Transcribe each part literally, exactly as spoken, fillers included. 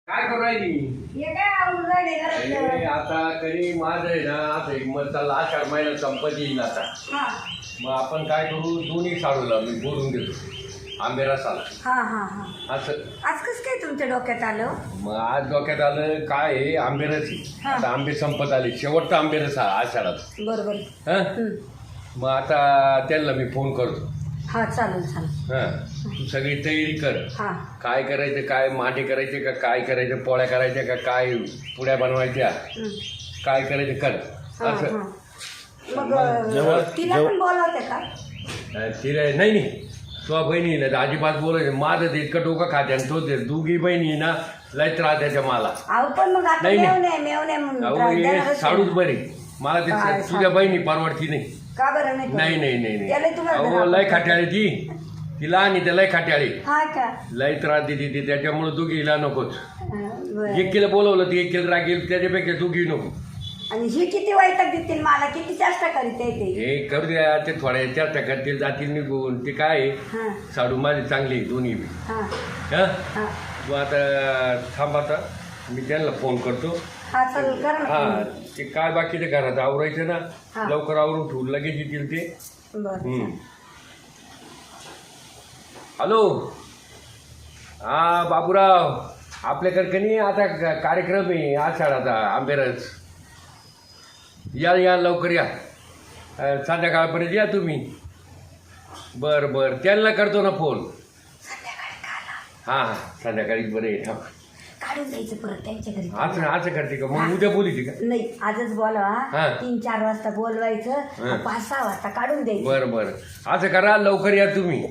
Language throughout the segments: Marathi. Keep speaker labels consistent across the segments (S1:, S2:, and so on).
S1: काय करू राहिली?
S2: हे काय आवडून राहिले
S1: अरे,
S2: घरातलं?
S1: आता कधी माझं आहे ना आता एक मग चालला आषाढ महिना संपत येईल आता.
S2: हा
S1: मग आपण काय करू दोन्ही साडूला मी बोलून देतो आंबेरा साला
S2: हा हा हा
S1: असं.
S2: आज कसं काय तुमच्या डोक्यात आलं?
S1: मग आज डोक्यात आलं काय आहे आंबेरची.
S2: हा.
S1: आता आंबे संपत आले शेवटचा आंबेरस हा आषाढात.
S2: बरोबर.
S1: हं
S2: हम्म.
S1: मग आता त्यांना मी फोन करतो.
S2: हा चालेल चालेल.
S1: हां तू सगळी तयारी कर.
S2: हा
S1: काय करायचं काय मांडे करायचे का काय करायचं पोळ्या करायच्या का काय पुड्या बनवायच्या
S2: हम्म.
S1: काय करायचं कर
S2: हा,
S1: असं.
S2: हा. मग
S1: जेवण-
S2: तिला पण बोलावते का?
S1: तिला नाही नाही तुझ्या बहिणीला तर अजिबात बोलायचं माझं ते इतकं डोकं खाते आणि तो ते दोघी बहिणी ना लय त्रास द्यायच्या मला.
S2: अहो पण मग आता
S1: नाही, नाही.
S2: मेवणे मेवणे म्हणून
S1: अहो
S2: त्रास
S1: हे
S2: देणारच
S1: साडूच
S2: आहे.
S1: बरी मला ते
S2: काय
S1: तुझ्या बहिणी परवडती नाही.
S2: का बरं नाही?
S1: नाही नाही नाही
S2: त्याला
S1: नाही
S2: तुम्हाला
S1: अहो
S2: धरा-
S1: लय खाट्याळी ती तिला आणि त्या लय खाट्याळी
S2: हा का?
S1: लय त्रास देते ती त्याच्यामुळे दोघीला नकोच.
S2: हा, बरं.
S1: एक किलो बोलवलं ती एक किलो रागेल त्याच्यापेक्षा दोघी नको.
S2: आणि ही किती वैताग देतील मला, किती चेष्टा करीत आहे ते.
S1: हे करू द्या ते थोड्या चर्चा करतील जातील निघून ते काय आहे,
S2: हा
S1: साडू माझी चांगली आहे दोन्ही बी.
S2: हा
S1: हं
S2: हा
S1: तू आता थांब आता मी त्यांना फोन करतो.
S2: हा चालेल करा
S1: हा
S2: ना.
S1: ते काय बाकीच्या घरात आवरायचं ना
S2: हा.
S1: लवकर आवरून ठेवून लगेच येतील ते.
S2: बरं
S1: हम्म. हॅलो हा बाबूराव आपल्याकडे नाही आता ग- कार्यक्रम आहे आषाढाचा आंबेरस. या या लवकर या अं, संध्याकाळपर्यंत या तुम्ही. बरं बरं त्यांना करतो ना फोन.
S2: संध्याकाळी काला
S1: हां हां संध्याकाळी बरं आहे थांब.
S2: काढून जायचं परत त्यांच्या घरी.
S1: असं असं करते का मग उद्या बोलीची का?
S2: नाही आजच बोलवा.
S1: हा.
S2: तीन चार वाजता बोलवायचं.
S1: हा.
S2: पाच सहा वाजता काढून द्यायचं.
S1: बरं बरं असं करा लवकर या तुम्ही.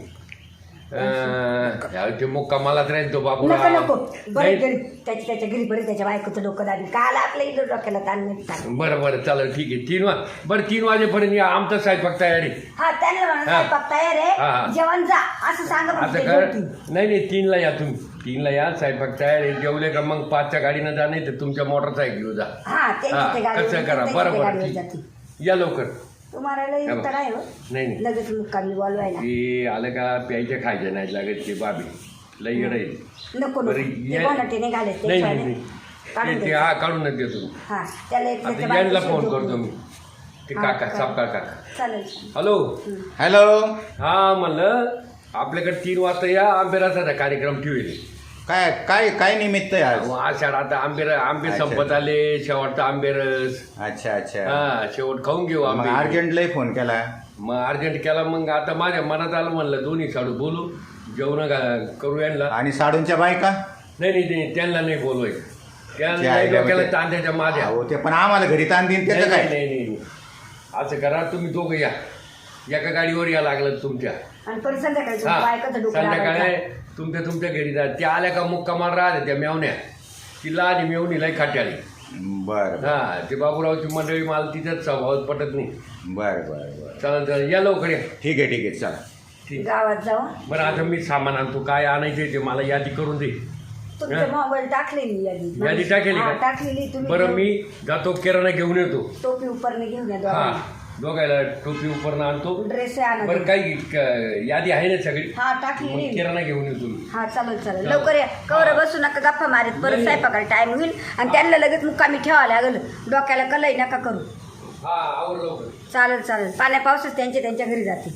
S1: अं, या ते मुक्कामालाच राहील तो
S2: नको
S1: बाबूराव.
S2: नको बरं
S1: नाही?
S2: घरी त्याच्या त्याच्या घरी बरं त्याच्या बायकोचं डोकं दाबी काल आपल्या इथं डोक्याला ताण नाही ताण.
S1: बरं बरं चालेल ठीक आहे तीन वा बरं तीन वाजेपर्यंत या आमचा स्वयंपाक तयारी.
S2: हा त्याने म्हणा
S1: हा.
S2: स्वयंपाक तयार
S1: हा, हा.
S2: आहे जेवण जा असं सांगा
S1: आता
S2: फक्त ते
S1: कर
S2: जेवतील.
S1: नाही नाही तीनला या तुम्ही तीनला या स्वयंपाक तयार आहे जेवले का मग पाचच्या गाडीनं जा नाही तर तुमच्या मोटरसायकल जा.
S2: हा त्यांच्या
S1: हा,
S2: ते गाडीवर-
S1: कसं करा
S2: त्यांच्या
S1: बरं
S2: ते
S1: बरं
S2: गाडीवर
S1: ठीक.
S2: जातील.
S1: या लवकर.
S2: तुम्हाला लई
S1: हा,
S2: उत्तर आहे हो.
S1: नाही नाही
S2: लगेच मुक्कामी बोलवायला
S1: ते आलं का प्यायचे खायचे नाही लागत ते बाबी लई येडं आहे.
S2: नको
S1: बरं,
S2: नको ते
S1: या-
S2: कोणाटे नाही घालत
S1: नाही
S2: त्याशिवाय
S1: नाही
S2: नाही.
S1: नाही
S2: काढून
S1: ते- ते
S2: द्यायचं.
S1: हा काढूनच देतो.
S2: हा त्याला एक त्याच्या
S1: आता यांना
S2: बायकोशी
S1: फोन
S2: झोपून.
S1: करतो मी ते
S2: हा,
S1: काका
S2: करा.
S1: सापका काका.
S2: चालेल
S1: हॅलो
S3: हॅलो
S1: हा म्हणलं आपल्याकडे तीन वाजता या आंबेराचा कार्यक्रम ठेवेल.
S3: काय काय काय निमित्त आहे आज?
S1: आषाढ आता आंबेर आंबे
S3: अच्छा.
S1: संपत आले शेवटचा आंबेरस.
S3: अच्छा अच्छा
S1: हा शेवट खाऊन घेऊ
S3: मग
S1: आंबे.
S3: अर्जंटलाही फोन केला.
S1: मग अर्जंट केला मग आता माझ्या मनात आलं म्हणलं दोन्ही साडू बोलू जेवण करू यांना.
S3: आणि साडूंच्या बायका
S1: नाही नाही नाही त्यांना नाही बोलवायचं त्यांना
S3: त्या
S1: नाही
S3: आईला
S1: डोक्याला
S3: म्हणजे-
S1: तांद्याच्या माझ्या.
S3: हो ते पण आम्हाला घरी ताण देईन
S1: नाही
S3: त्याचं
S1: नाही
S3: काय?
S1: नाही नाही. असं करा तुम्ही दोघं या एका गाडीवर या लागलं तुमच्या.
S2: आणि परत संध्याकाळी
S1: हा
S2: तुमच्या बायकोचं डोकं
S1: संध्याकाळी
S2: लावायचं.
S1: तुमच्या तुमच्या घरी जा त्या आल्या का मुक्कामाला राहते त्या मेवण्या तिला आणि मेवणी लय खाट्याली.
S3: बरं
S1: हा ते बाबूरावची मंडळी मला तिच्याच स्वभावात पटत नाही.
S3: बरं बरं बरं
S1: चालेल चालेल या लवकर या.
S3: ठीक आहे ठीक आहे चला.
S1: ठीक.
S2: गावात जाऊ
S1: बरं आता मी सामान आणतो काय आणायचं ते मला यादी करून दे.
S2: तुमचा मोबाईल टाकलेली यादी
S1: यादी टाकलेली
S2: हा,
S1: का?
S2: टाकलेली तुम्ही
S1: बरं मी जातो किराणा घेऊन येतो.
S2: टोपी उपरने घेऊन या
S1: हा
S2: दोघांना.
S1: दोघायला टोपी उपरणं आणतो.
S2: ड्रेस आणा
S1: बरं काही क- यादी आहे ना सगळी
S2: हा
S1: मग
S2: टाकलेली
S1: किराणा घेऊन येतो मी.
S2: हा चालेल चालेल
S1: चालेल.
S2: लवकर या कवर बसू नका गप्पा मारीत परत
S1: नाही.
S2: स्वयंपाकाला टाइम होईल आणि त्यांना लगेच मुक्कामी ठेवावं लागेल डोक्याला कलई नका करू.
S1: हा आवर लवकर.
S2: चालेल चालेल पाण्या पावसात त्यांचे त्यांच्या घरी जातील.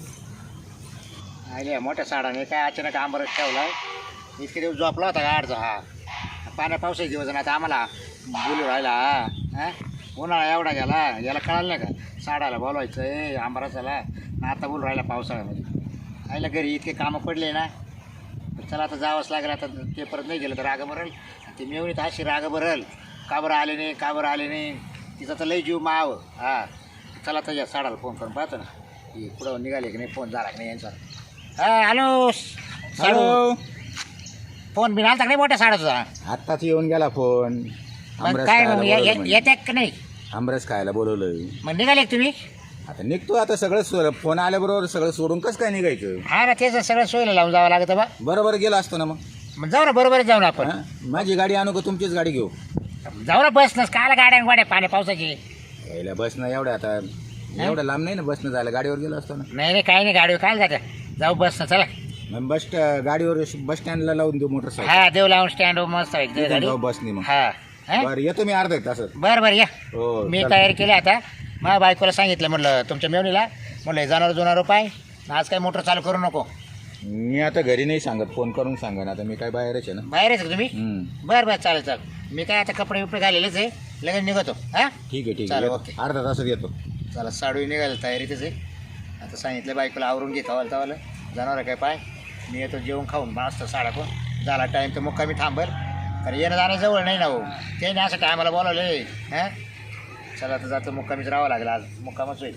S4: अरे मोठ्या साडाने काय अचानक आंबरस ठेवला इतके दिवस झोपला होता गाडचा हा पाण्या पावसाचे दिवस आणि आता आम्हाला बोलू राहिला हा उन्हाळा एवढा गेला याला कळालं नाही का साडाला बोलवायचं आहे आंबरसाला आणि आता बोलू राहिला पावसाळ्यामध्ये आईला घरी इतके कामं पडले ना तर चला आता जावंच लागेल. आता ते परत नाही गेलं तर राग भरल ते मेवणी तर अशी राग भरल का बरं आले नाही का बरं आले नाही तिचा तर लई जीव माव हा चला तर या साडाला फोन करून पाहतो ना की पुढं निघाले की नाही फोन झाला की नाही यांचा. हा हॅलो साडू
S3: हॅलो
S4: फोन बिन आलता का नाही मोठ्या साडाचा
S3: आत्ताच येऊन गेला फोन.
S4: मग
S3: आमरस
S4: काय
S3: खायला
S4: मग ये-
S3: बोलवलं
S4: ये-
S3: म्हणे.
S4: येत्या का नाही
S3: आमरस खायला बोलवलं.
S4: मग निघाले का तुम्ही?
S3: आता निघतो आता सगळं सो- फोन आल्याबरोबर सगळं सोडून कसं काय निघायचं?
S4: हा ना तेच सगळं सोयीला लावून जावं लागतं बा.
S3: बरोबर गेला असतो ना मग.
S4: मग जाऊ ना बरोबरच जाऊ ना आपण
S3: हा? माझी गाडी आणू का तुमचीच गाडी घेऊ?
S4: जाऊ ना बस नस काला गाड्या गाड्या पाण्या पावसाची
S3: यायला बसनं एवढ्या आता एवढं लांब नाही ना बसनं जायला गाडीवर गेलो असतो ना.
S4: नाही नाही काही नाही गाडीवर काय जात्या जाऊ बस ना चला.
S3: मग बस गाडीवर बस स्टँडला लावून देऊ मोटरसायकल
S4: हा देव लावून स्टँड मस्त आहे
S3: तिथून
S4: गाडी
S3: जाऊ बसनी मग
S4: हा हा?
S3: बरं येतो मी अर्धा एक तासात
S4: बरं बरं या
S3: हो
S4: मी
S3: चल.
S4: तयारी केली आता माझ्या बायकोला सांगितलं म्हटलं तुमच्या मेवणीला म्हटलं जाणार जुनार पाय आज काय मोटर चालू करू नको.
S3: मी आता घरी नाही सांगत फोन करून सांगा आता मी काय बाहेरच आहे ना
S4: बाहेरच का तुम्ही
S3: हम्म.
S4: बरं बरं चालेल चालेल मी काय आता कपडे बिपडे घालेलेच आहे लगेच निघतो हा
S3: ठीक आहे ठीक
S4: चालेल,
S3: आहे
S4: ओके.
S3: येतो. अर्धा तासात येतो
S4: चला साडू निघायला तयारीतच आहे आता सांगितलं बायकोला आवरून घे तवाला तवाला जाणार काय पाय मी येतो जेवण खाऊन मस्त साडा पण झाला टाईम तर मुक्कामी थांबर कारण येणं जाणं जवळ नाही ना हो ते नाही असं टायमाला बोलावले हां चला आता जातं मुक्कामीच राहावं लागेल आज मुक्कामच होईल.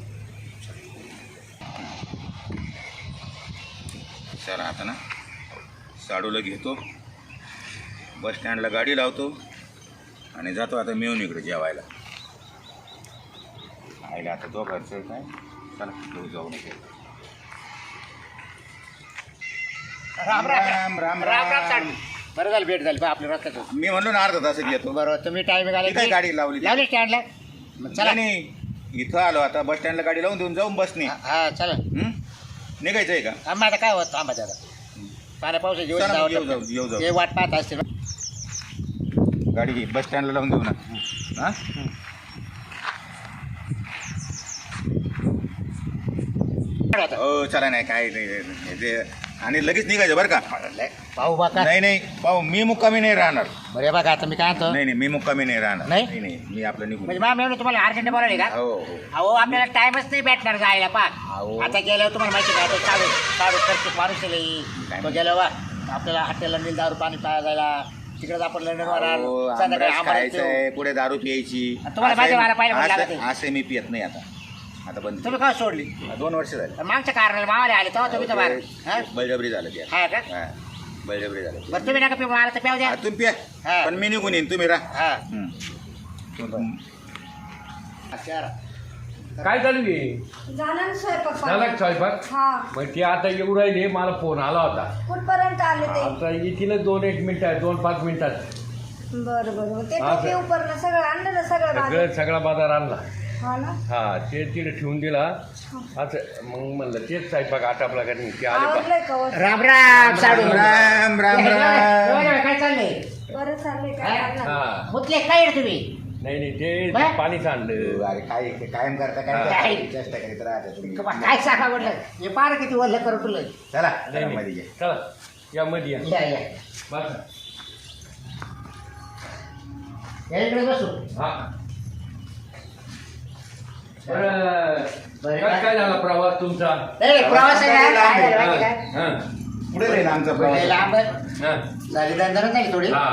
S3: चला आता ना साडूला घेतो बस स्टँडला गाडी लावतो आणि जातो आता मिळून इकडे जेवायला आईला आता दोघांचं काय चला घेऊ जाऊ नये
S4: राम
S3: राम, राम, राम.
S4: साडू. बरं झालं भेट झाली बा आपल्या रस्त्यात
S3: मी म्हणलो ना अर्धा तासात येतो
S4: बरोबर तुम्ही टाईम
S3: ती काय गाडी लावली?
S4: लावली स्टँडला मग चला
S3: नाही इथं आलो आता बस स्टँडला गाडी लावून देऊन जाऊन बसने
S4: हा चला
S3: हं? निघायचं आहे का
S4: थांबा आता काय होत थांबा आता पाण्या पावसाची दिवस
S3: चला मग
S4: जावं
S3: येऊ जाऊ, येऊ
S4: लागतं.
S3: जाऊ.
S4: ते वाट पाहत असते
S3: गाडी घे बस स्टँडला लावून देऊ ना हां हो चला नाही काय नाही ते आणि लगेच निघायचं बरं का
S4: पाहू बा का
S3: नाही नाही पाहू मी मुक्कामी नाही राहणार
S4: बरे बघा आता मी काय म्हणतो
S3: नाही नाही मी मुक्कामी नाही राहणार
S4: नाही?
S3: नाही नाही मी आपलं निघून
S4: म्हणजे मॅम एवढं तुम्हाला अर्जंट बोलावले का
S3: हो हो
S4: अहो आपल्याला टाइमच नाही भेटणार जायला पाक
S3: अहो.
S4: आता गेल्यावर तुम्हाला माहिती काय तो साडू साडू खर्च माणूस आहे तो गेलो वा आपल्याला हॉटेलला नील दारू पाणी प्यायला जायला तिकडे आपण लंडनवर
S3: अहो,
S4: संध्याकाळी
S3: आमरस
S4: आम्हाला
S3: खायचंय पुढे दारू प्यायची
S4: तुम्हाला माझ्या वारा पाहिलं
S3: असं-
S4: लागत
S3: असं- असं मी पियत नाही आता आता बंद
S4: तुम्ही काय सोडली
S3: दोन वर्ष झाले
S4: तर मागच्या कारणाला मावाले आले तेव्हा तुम्ही तर बाहेर हा?
S3: बळजबरी झालं ते
S4: हा का
S3: हा बळजबरी झालं
S4: बरं तुम्ही नका पिऊ मला तर प्याव द्या
S3: हा, तुम्ही पिया
S4: हा.
S3: पण मी निघून येईन तुम्ही राहा
S4: हा
S3: हं. तुम-
S4: अच्छा.
S1: काय चालू आहे
S2: झाला ना स्वयंपाक
S1: झाला का स्वयंपाक
S2: हा
S1: मग ते आता येऊ राहिले मला फोन आला होता
S2: कुठपर्यंत आले ते
S1: आता येतील दोन एक मिनिटात दोन पाच मिनिटात
S2: बरं बरं ते
S1: हा,
S2: टोपी
S1: सर.
S2: उपरलं सगळं आणलं ना सगळं
S1: सगळं
S2: माझं
S1: सगळा बाजार आणला
S2: हा ना
S1: हा ते तिथे ठेवून दिला असं मग म्हणलं तेच स्वयंपाक आटापला का नाही ते आले पा
S2: आवडलंय का वर?
S4: राम राम साडू
S3: राम राम राम
S4: काय चाललंय
S2: बरं चाललंय काय
S4: हा?
S2: करणार?
S1: हा
S4: मुतले काय रे तुम्ही
S1: नाही नाही ते
S4: बरं.
S1: पाणीच आणलं
S3: अरे काय कायम करता
S1: हा.
S3: काय चेष्टा करीत राहता तुम्ही
S4: काय सांगा म्हटलं हे पार किती वल्ल करू तुला
S3: चला
S1: नाही,
S3: मध्ये
S1: नाही.
S3: घे.
S1: चला या मध्ये या
S4: या या
S1: बस
S4: या इकडे बसू
S1: हा बरं
S4: बरं.
S1: काय काय झाला प्रवास तुमचा
S4: नाही प्रवास आहे ना, काय झालं
S1: हा,
S4: माहिती काय
S1: हा,
S3: पुढे राहील आमचा
S4: कुठे
S3: प्रवास
S4: लांब
S1: हा,
S4: झाली दंधरच झाली थोडी
S1: हा,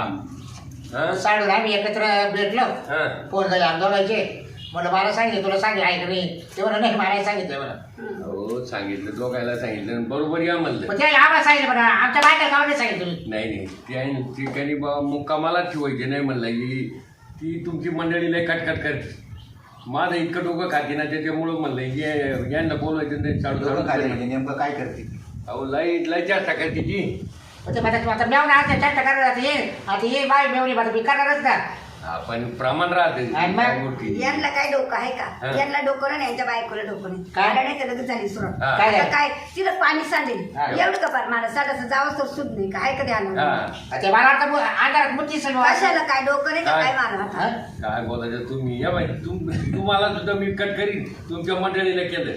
S1: हा,
S4: साडू आम्ही एकत्र भेटलो
S1: हा.
S4: फोन झाले आंदोलनाचे म्हणलं मला सांगितलं तुला सांगितलं आहे का नाही ते म्हणा नाही मला सांगितलं म्हणा
S1: हो सांगितलं दोघायला सांगितलं बरोबर या म्हणलं
S4: पण ते आम्हाला सांगितलं म्हणा आमच्या बायका गावात नाही सांगितलं तुम्ही
S1: नाही नाही ते आहे ना, ती काही बा मुक्कामाला ठेवायची नाही म्हणलं ही ती तुमची मंडळी लय कटकट करते माझं इतकं डोकं खाते ना त्याच्यामुळं म्हणलं ये यांना बोलवायचं नाही चालू
S3: दोघं खाली
S1: चालू
S3: म्हणजे नेमकं काय करते
S1: अहो लय लय जास्त करते ती
S4: पण ते म्हणतात आता मेवणं आता चर्चा करणार आता ये आता ये बाय मेवणी आता मी करणारच ना
S1: आपण प्रमाण राहते
S4: आणि मग?
S1: त्या गोष्टी.
S2: यांना काय डोकं आहे
S1: हा.
S2: का यांना डोकं नाही यांच्या बायकोला डोकं नाही
S4: काय?
S2: आलं नाही तर लगेच झाली सुरुवात
S1: हा.
S4: काय
S2: आता
S4: झालं?
S2: काय तिला पाणी सांडेल
S4: हा.
S2: एवढं का पार मला साधाचं जावंच तर सुद्ध नाही काय कधी आलं
S1: हा
S4: ते मला वाटतं मु- अंधारात मुठी सगळं
S2: कशाला काय डोकं नाही का
S1: काय?
S2: काय मारा
S4: हा?
S1: काय बोलायचं तुम्ही या बाई तुम तुम्हाला सुद्धा मी कट करीन तुमच्या मंडळीला केलं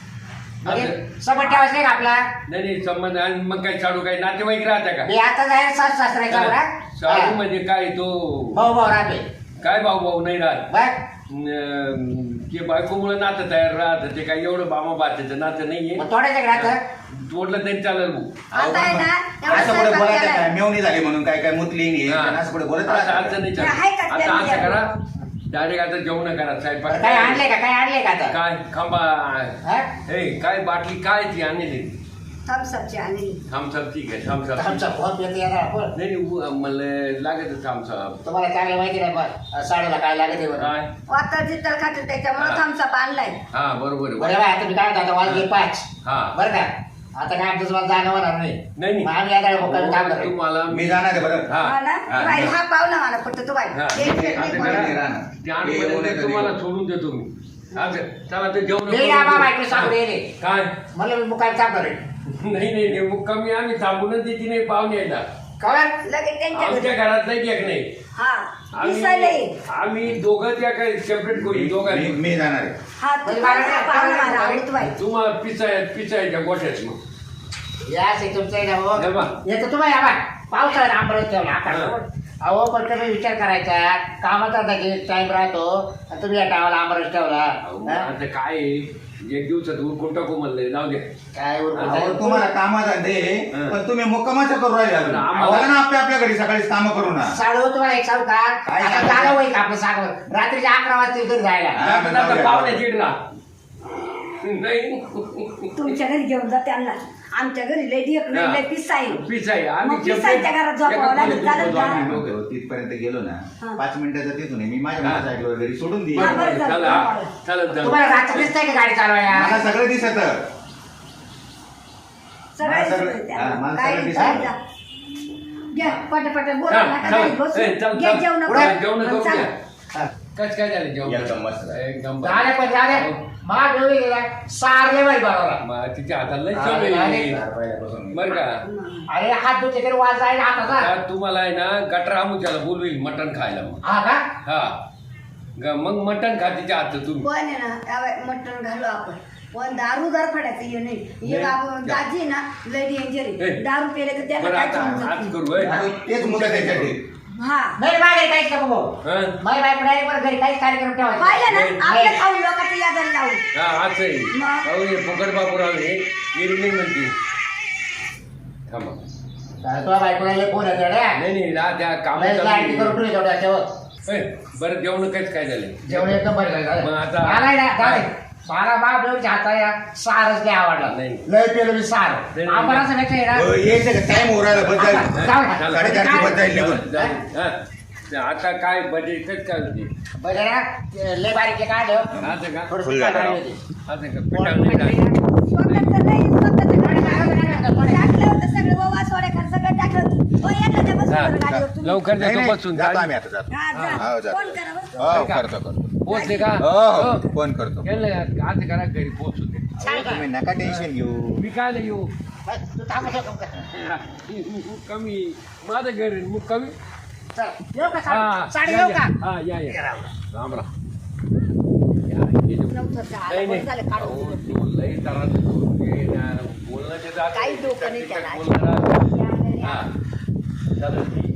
S4: म्हणजे
S1: असं-
S4: समोर ठेवायचं नाही का आपला
S1: नाही नाही संबंध आणि मग काय चालू काय नातेवाईक राहत्या का
S4: मी आता जाईल सास सासऱ्याच्या
S1: साडू
S4: बरोबर
S1: म्हणजे काय तो
S4: भाऊ भाऊ राहते
S1: काय भाऊ भाऊ नाही राहत
S4: बघ
S1: अं, ते बायकोमुळे नातं तयार राहतं ते काय एवढं बामा बाच्याचं नातं नाहीये
S4: मग थोड्याच्या राहतं
S1: तोडलं तरी चालेल भाऊ
S2: आता आहे ना एवढं
S3: असं पुढे
S2: स्वयंपाक
S3: बोलायचं
S2: केलाय.
S3: काय मेवणी झाली म्हणून काय काय मुतली नाही
S1: हा.
S3: असं पुढे बोलत
S1: असं
S3: राहतात.
S1: असं नाही
S2: आहे का
S1: चालत. आता
S2: त्या
S1: असं करा
S2: मुलीला?
S1: डायरेक्ट आता जेवण करा स्वयंपाक
S4: काय आणले का काय आणले का आता
S1: काय खांबा
S4: हा?
S1: हे काय बाटली काय ती आणली
S2: थम्सअपची आणि
S1: थम्सअप ठीक आहे थम्सअप
S4: आमचा फोन येतो येणार आपण
S1: नाही नाही उ- मला लागत थम्सअप
S4: तुम्हाला चांगलं माहिती नाही पण साडूला काय लागत आहे बरं
S1: काय
S2: वातर जितल खाते त्याच्यामुळे
S1: हा.
S2: थम्सअप आणलाय
S1: हा बरोबर आहे.
S4: बरं बाय आता मी काय म्हणतो आता वाजले पाच
S1: हा
S4: बरं का आता काय आमचं मला जाणं होणार नाही
S1: नाही नाही
S4: मग आम्ही आता मुक्कामी काम
S1: हो,
S4: करतो
S1: तुम्हाला
S3: मी जाणार आहे बरं
S1: हा
S2: हा ना
S1: हा,
S2: बाई,
S1: हा.
S2: हा पाहुणा मला फक्त तू बाई
S1: हा.
S2: एक
S1: आता
S2: सेकंद
S1: करा.
S2: बोला.
S3: नाही राहणार.
S1: ते आठवड्यात तुम्हाला सोडून देतो मी अच्छा चला ते जेवण
S4: मी ना बाबा इकडे सांगू येईल
S1: काय
S4: मला मी मुक्कामी काम करेल
S1: नाही नाही नाही मुक्कामी आम्ही थांबूनच देते नाही पाहुणे यायला
S4: काय
S2: लगेच त्यांच्या
S1: आमच्या
S2: घरी
S1: घरात नाही एक नाही
S2: हा दिसायला
S1: आम्ही
S2: ये.
S1: आम्ही दोघं त्या काही सेपरेट करू
S3: मी
S1: दोघांनी
S3: मी जाणार आहे
S2: हा तू पाहुणा मला आवडतो बाई.
S1: तुम्हाला पिचाय पिचायच्या गोठ्यात मग
S4: या से तुमचं आहे ना भाऊ.
S1: हे बा.
S4: येतो तुम्हाला या बा पावसाळ्यात आंबरस ठेवला आता अहो पण तुम्ही विचार करायचा कामाचा टाइम राहतो आणि तुम्ही या टायमाला आंबरस ठेवला
S1: अहो,
S4: हा?
S1: आता काय आहे, एक दिवसात उरकून टाकू म्हणले जाऊ दे
S4: काय उरकून
S3: अहो,
S4: जाईल?
S3: तुम्हाला कामाचा दे
S1: हं.
S3: पण तुम्ही मुक्कामाचं करू राहिले अजून.
S1: आम्हाला-
S3: चला ना आपल्या आपल्या घरी सकाळीच कामं करू ना
S4: साडू तुम्हाला एक सांगू का
S3: काय
S4: आता
S3: सांगायचं?
S4: झालं होईल का आपलं सांग रात्रीच्या अकरा वाजता इथून जायला
S3: हा, मग जाऊ द्या.
S1: पाहुणे चिडला नाही
S2: तुमच्या घरी घेऊन जा त्यांना आमच्या घरी लय ढेक नाही लय पिस्सा आहे
S1: पिचाय
S2: मग
S1: आम्ही
S2: पिसायच्या घरात झोपावं लागेल, चालेल का?
S3: आम्ही दोघं तिथपर्यंत गेलो ना
S2: हा.
S3: पाच मिनिटाचा तिथून आहे. मी माझ्या
S1: हा.
S3: मोटरसायकलवर घरी सोडून दे
S2: हा, बरं.
S1: चला चालत
S4: तुम्हाला रात्री दिसतंय का गाडी चालवायला
S3: मला सगळं दिसत
S2: सगळे
S3: मला सगळं-
S2: दिसते
S3: हा,
S2: त्यांना.
S3: मला
S2: काय
S3: सगळं
S2: दिसतं
S3: दिसतं.
S2: जा. घ्या पटापट बोला
S1: चल,
S2: नका
S1: चल.
S2: घरी बसू.
S1: ए, चल,
S2: घ्या
S1: चल.
S2: जेवण
S1: पुढे
S2: करून.
S1: जेवण करून
S2: चला.
S1: घ्या. कच काय झाले जेवण
S3: एकदम मस्त.
S1: एकदम
S4: झाले पण झाले माग एवढी गेला सारले बाई बरोबर
S1: मग तिच्या हाताला लय
S4: अरे,
S1: चव
S4: अरे.
S1: आहे.
S3: पहिल्यापासून
S1: बरं का
S4: अरे हात धुते तरी वाज जाईल हाताचा
S1: आता तुम्हाला आहे ना गटर आमुच्याला बोलवील मटण खायला मग
S4: हा का
S1: हा ग- मग मटण खा तिच्या हात तुम्ही
S2: पण आहे ना त्यावेळी मटण घालू आपण पण दारू दार फडायचं हे नाही हे
S1: नाही.
S2: आपण दाजी आहे ना लय डेंजर
S1: ए.
S2: आहे दारू पेले तर त्याला
S1: बरं
S2: काय
S1: आता
S2: समजत
S1: आज
S2: नाही.
S1: करू होय.
S3: आणि तेच मुलं त्याच्यासाठी
S2: हा
S4: नाही मागे काहीच नको भाऊ
S1: हा?
S4: माझ्या बायको डायरेक्ट मला घरी काहीच कार्यक्रम ठेवायचा
S2: पाहिलं ना
S1: नाही.
S2: आपल्या खाऊन लोकांचं यादाला लावून
S1: हा आज आहे
S2: मग?
S1: अहो, हे फुकट बापूराव हे येरी नाही म्हणते थांबा
S4: काय तुला बायकोला लय फोन येतो रे
S1: नाही नाही ना त्या काम
S4: लय लाईटी करून ठेवली तेवढ्या त्याच्यावर
S1: बरं जेवण काहीच काय झाले
S4: जेवण एकदम बरं झालं
S1: मग आता-
S4: मला ना जाऊ दे. मला बाप देऊच्या हाताला सारच लय आवडला
S1: नाही.
S4: लय पेलो मी सार
S1: नाही, नाही.
S4: आपण असं नाही ना
S3: हो, यायचं का टाइम उरायला बस जाईल
S4: जाऊ दे.
S1: चला.
S3: साडेचारची बस जाईल निघून
S1: जाऊ, हा. ते आता काय बजेट काय काय होते
S4: बरं ना ते लय बारीक काय ठेव
S1: आता का
S4: थोडंसं
S3: फुल झालं.
S4: काढून होती.
S1: आता का पिठाळ नाही टाकलं.
S2: स्वतःचं नाही स्वतःचं टाकलं होतं सगळं ववा सोड्या खात सगळं टाकलं होतं ओ एखाद्या बसून
S1: हा,
S2: बरं गाडीवर तुम्ही.
S1: लवकर
S3: नाही,
S1: देतो
S3: नाही,
S1: बसून
S3: जातो आम्ही आता जातो
S2: हा, जा.
S3: हो, जातो.
S2: फोन करा बरं.
S3: हो करतो करतो
S1: पोचले का
S3: हो हो फोन करतो
S1: केलं आज करा घरी पोचू दे
S4: छान का?
S3: तुम्ही नका टेन्शन घेऊ
S1: मी काय नाही येऊ
S4: बस, तू थांबू शकतो का?
S1: कमी माझं घर आहे, मग कमी
S4: चल, येऊ का
S1: हा
S4: साडी साडी
S1: या,
S4: येऊ
S1: या.
S4: का
S1: हा या या
S4: ये राव.
S1: राम राम या, हे जे-
S2: नव्हतं झालं,
S1: नाही
S2: बरं झालं,
S1: नाही
S2: काढून
S1: अहो,
S2: दिलं.
S1: तू लई त्रास देतो. हे ना, बोलणं ते जात
S2: काही
S1: नाही.
S2: डोकं नाही त्याला.
S1: बोलणं राहतं.
S2: या घरी.
S1: हा चालेल.